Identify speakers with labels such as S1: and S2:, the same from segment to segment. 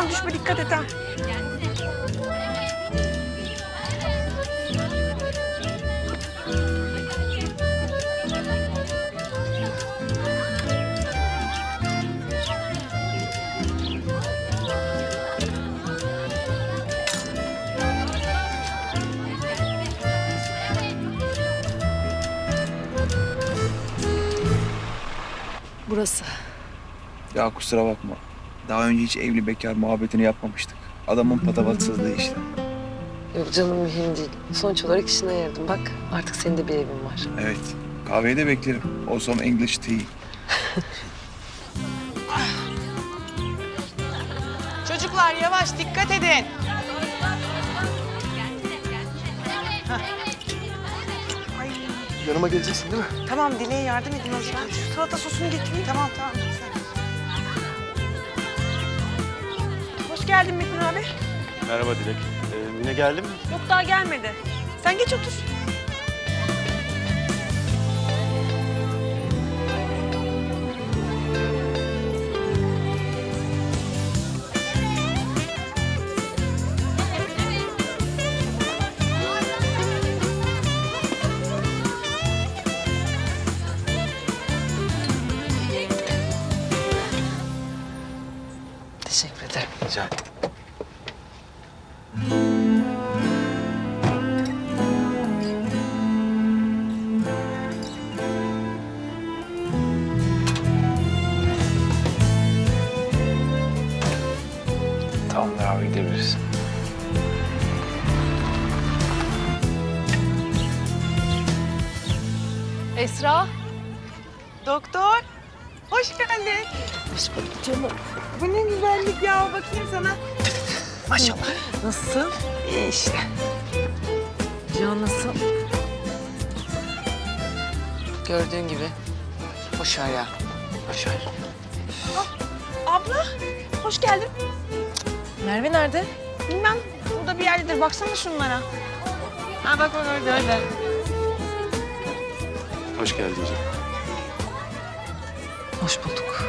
S1: aman düşme, dikkat et ha.
S2: Burası.
S3: Ya kusura bakma. Daha önce hiç evli bekar muhabbetini yapmamıştık. Adamın patavatsızlığı işte.
S2: Yok canım, mühim değil. Sonuç olarak işine yaradım. Bak artık senin de bir evin var.
S3: Evet. Kahveyi de beklerim. O some English tea.
S1: Çocuklar yavaş, dikkat edin.
S4: Yanıma geleceksin değil mi?
S1: Tamam, Dile'ye yardım edin o zaman. Şu salata sosunu getireyim. Tamam. Hoş geldin Metin abi.
S4: Merhaba Dilek. Mine geldi mi?
S1: Yok, daha gelmedi. Sen geç otur.
S2: Teşekkür ederim.
S4: Rica ederim.
S3: Tamamdır abi, gidebiliriz.
S2: Esra.
S1: Doktor, hoş geldin.
S2: Hoş bulduk canım.
S1: Bu ne güzellik ya, bakayım sana.
S2: Maşallah. Nasılsın?
S1: İyi işte.
S2: Can nasıl? Gördüğün gibi. Boş ver ya. Boş ver.
S1: Abla, hoş geldin.
S2: Merve nerede?
S1: Bilmem, burada bir yerdedir. Baksana şunlara. Ha bak orada.
S4: Hoş geldin canım.
S2: Hoş bulduk.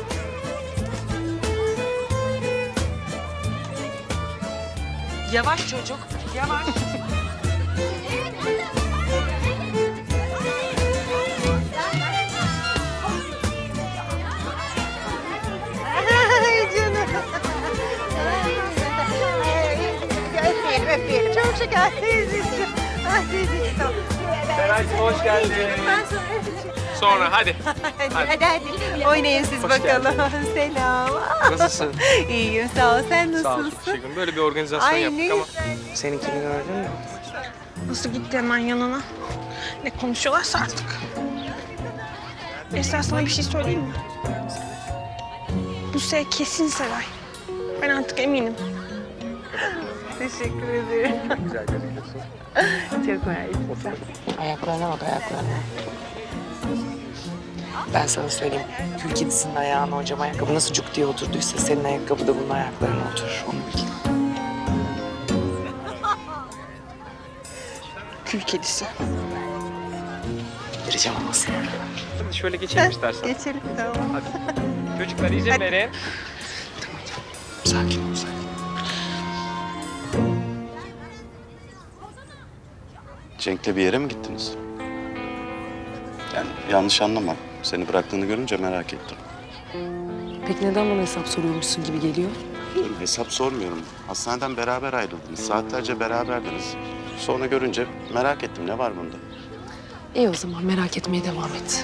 S1: Yavaş çocuk, yavaş. Ay canım. Öpeyelim. Çok şeker teyzeciğim. Ay teyzeciğim.
S5: Seraycığım hoş geldin. Sonra hadi.
S1: Hadi. Oynayın siz
S5: Hoş
S1: bakalım. Selam.
S5: Nasılsın?
S1: İyiyim, sağ ol. Sen
S5: Sağ ol.
S1: nasılsın?
S5: Teşekkür ederim. Böyle bir organizasyon
S1: Ay,
S5: yaptık
S1: ne
S5: ama.
S1: güzel.
S5: Seninkini gördün mü?
S1: Nasıl gitti hemen yanına? Ne konuşuyorlarsa artık. Esra, sana bir şey söyleyeyim mi? Bu kesin Seray. Ben artık eminim. Teşekkür ederim.
S5: Güzel gözüküyorsun.
S1: Çok mersi.
S2: Ayaklarına bak, ayaklarına. Ben sana söyleyeyim. Kül kedisinin ayağına hocam ayakkabı nasıl cuk diye oturduysa senin ayakkabı da bunun ayaklarına oturur. Onu bil.
S1: Kül kedisi.
S2: Vereceğim ama sana.
S5: Hadi şöyle geçelim istersen.
S1: Geçelim, tamam.
S5: Hadi. Çocuklar izin verin.
S2: Sakin ol, sakin.
S4: Cenk'le bir yere mi gittiniz? Yani yanlış anlama. Seni bıraktığını görünce merak ettim.
S2: Peki neden bana hesap soruyormuşsun gibi geliyor?
S4: Hesap sormuyorum. Hastaneden beraber ayrıldınız. Saatlerce beraberdiniz. Sonra görünce merak ettim. Ne var bunda?
S2: İyi o zaman merak etmeye devam et.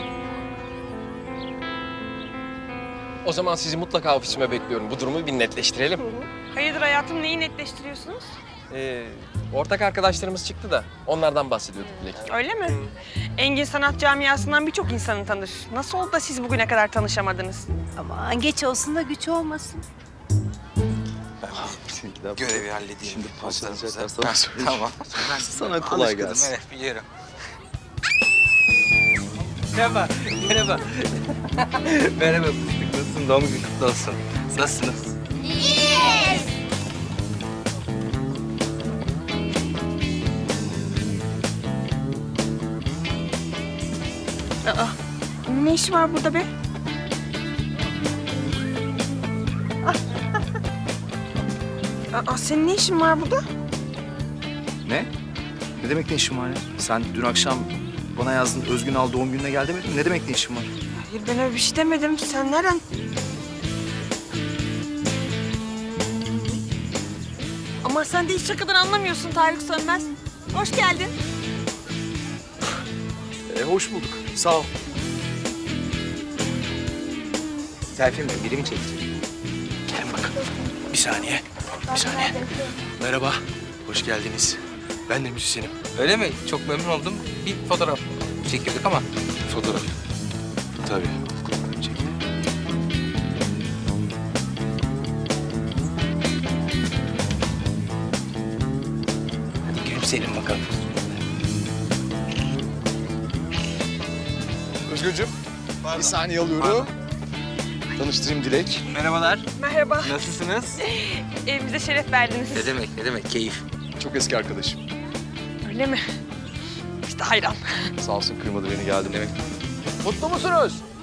S5: O zaman sizi mutlaka ofisime bekliyorum. Bu durumu bir netleştirelim.
S1: Hayırdır hayatım, neyi netleştiriyorsunuz?
S5: Ortak arkadaşlarımız çıktı da onlardan bahsediyorduk Dilek.
S1: Öyle mi? Engin Sanat Camiası'ndan birçok insanı tanır. Nasıl oldu da siz bugüne kadar tanışamadınız?
S6: Aman geç olsun da güç olmasın.
S7: Görevi halledeyim.
S4: Şimdi
S7: Postlarımızı.
S4: paslanacaklar sana
S7: Tamam.
S4: Sana kolay
S7: Alışkınım,
S4: gelsin.
S7: evet biliyorum.
S5: Merhaba, merhaba. Merhaba fıstık, nasılsın? Doğum günün kutlu olsun. Nasılsınız?
S1: Aa, ne işi var burada be? Aa, senin ne işin var burada?
S3: Ne? Ne demek ne işin var ya? Sen dün akşam bana yazdın Özgün al doğum gününe gel demedin mi? Ne demek ne işin var?
S1: Hayır ben öyle bir şey demedim. Sen nereden? Ama sen de hiç şakadan anlamıyorsun Tarık Sönmez. Hoş geldin.
S3: Hoş bulduk. Sağ ol.
S5: Selfie mi? Biri mi çekecek?
S7: Gelin bakalım. Bir saniye. Bir saniye. Merhaba. Hoş geldiniz. Ben de müzisyenim.
S5: Öyle mi? Çok memnun oldum. Bir fotoğraf çekildik ama.
S7: Fotoğraf. Tabii. Çekin.
S5: Hadi gülümseyelim bakalım.
S8: Özgürcüğüm, bir saniye alıyorum. Tanıştırayım Dilek.
S5: Merhabalar.
S1: Merhaba.
S5: Nasılsınız?
S1: Evimize şeref verdiniz.
S5: Ne demek, ne demek? Keyif.
S8: Çok eski arkadaşım.
S1: Öyle mi? İşte hayran.
S8: Sağ olsun kırmadı beni geldim.
S5: Evet.
S8: Mutlu musunuz?